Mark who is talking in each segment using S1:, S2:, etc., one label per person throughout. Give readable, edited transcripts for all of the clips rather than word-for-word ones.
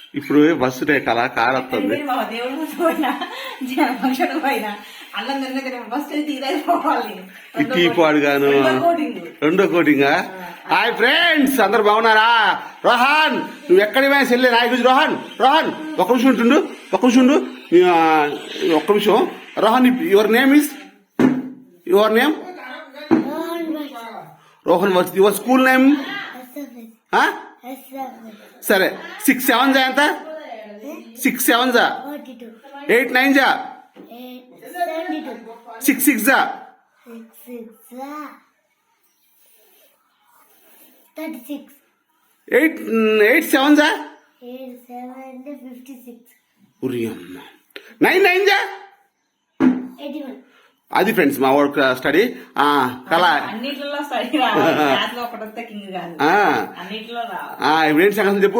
S1: ఇప్పుడు బస్సు అలా కార్ వస్తుంది. పాడు గాను రెండో కోటింగా. హాయ్ ఫ్రెండ్స్, అందరు బాగున్నారా? రోహన్, నువ్వు ఎక్కడికి పోయినా చెల్లి నా గురించి. రోహన్ రోహన్ ఒక్క నిమిషం ఉంటుండు, ఒక్క నిమిషం Rohan, your name is Rohan. Your school name? సరే, 6 7 జా ఎంత? 6 7 జా 8 9 జా 6 6 జా
S2: 36.
S1: 8 7 జా
S2: 8 7 56.
S1: 9 9 జా
S2: 81.
S1: అది ఫ్రెండ్స్ మా వర్క్ స్టడీ. కళా
S3: అన్నిట్లో స్టడీ కింగ్ కాదు, అన్నిట్లో
S1: ఏంటి సంగతి చెప్పు.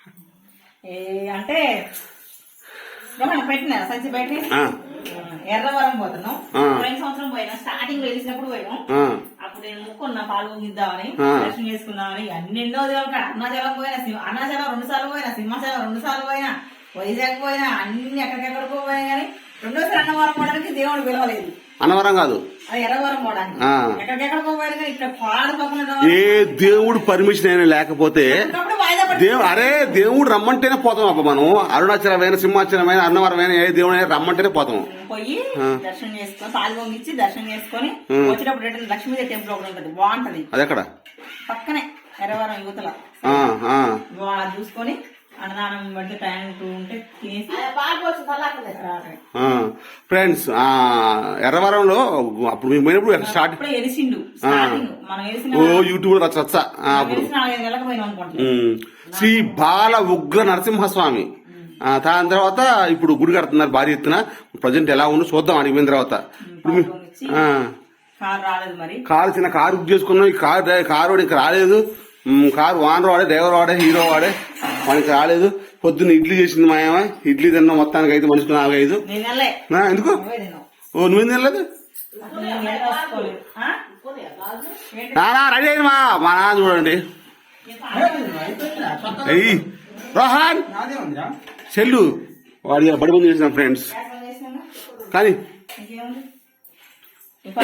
S3: అంటే పెట్టినా సంచి పెట్టి ఎర్రవరం పోతున్నాం. పోయిన సంవత్సరం పోయినా, స్టార్టింగ్ వెలిసినప్పుడు పోయినాం. అప్పుడు నేను ముక్కున్నా పాలు ముగిద్దామని, దర్శనం చేసుకున్నామని. ఎన్నెన్నో దేవుడు అరుణాచలం పోయినా, అరుణాచలం 2 సార్లు పోయినా, సింహాచలం 2 సార్లు పోయినా, వైజాగ్ పోయినా, అన్ని ఎక్కడికెక్కడికో పోయినా కానీ రెండోసారి అన్నవరం పోవడానికి దేవుడు పిలవలేదు.
S1: అన్నవరం కాదు,
S3: అది ఎర్రవరం పోవడానికి. ఎక్కడికెక్కడికో పోయినా కానీ ఇక్కడ పాడు పక్కన
S1: ఏ దేవుడు పర్మిషన్ అయినా లేకపోతే అరే దేవుడు రమ్మంటేనే పోతాం. అబ్బా మనం అరుణాచలమైన, సింహాచలమైన, అన్నవరమైన ఏ దేవుడు అయినా రమ్మంటేనే పోతాం.
S3: పోయి దర్శనం చేసుకొని, పాలు పొంగిచ్చి దర్శనం చేసుకొని వచ్చేటప్పుడు రిటర్న్ లక్ష్మీదేవి టెంపుల్ ఒకటి ఉంటుంది, బాగుంటది.
S1: అది ఎక్కడ?
S3: పక్కనే ఎర్రవరం యువతల. చూసుకొని అన్నదానం పడితే టైం ఉంటే తినేసి
S1: ఫ్రెండ్స్, ఎర్రవరంలో అప్పుడు మేము పోయినప్పుడు స్టార్ట్
S3: ఎలిసిండు.
S1: యూట్యూబ్ లో రచ్చ అప్పుడు శ్రీ బాల ఉగ్ర నరసింహస్వామి. దాని తర్వాత ఇప్పుడు గుడి కడుతున్నారు భారీ ఎత్తున. ప్రజెంట్ ఎలా ఉందో చూద్దాం అడిగిన తర్వాత. కారు చిన్న కారు బుక్ చేసుకున్నాం. ఈ కారు ఇంకా రాలేదు. కారు ఓనర్ వాడే, డ్రైవర్ వాడే, హీరో వాడే, వానికి రాలేదు. పొద్దున్న ఇడ్లీ చేసింది మా ఏమ. ఇడ్లీ తిన్నాం మొత్తానికి అయితే మనిషికి 4 5. ఎందుకు నువ్వేం తినలేదు? నానా రెడీ అయింది మా నాన్న చూడండి. అయ్యి రోహన్ చెల్లు వాడి బడి బంద్ చేసిన ఫ్రెండ్స్ కానీ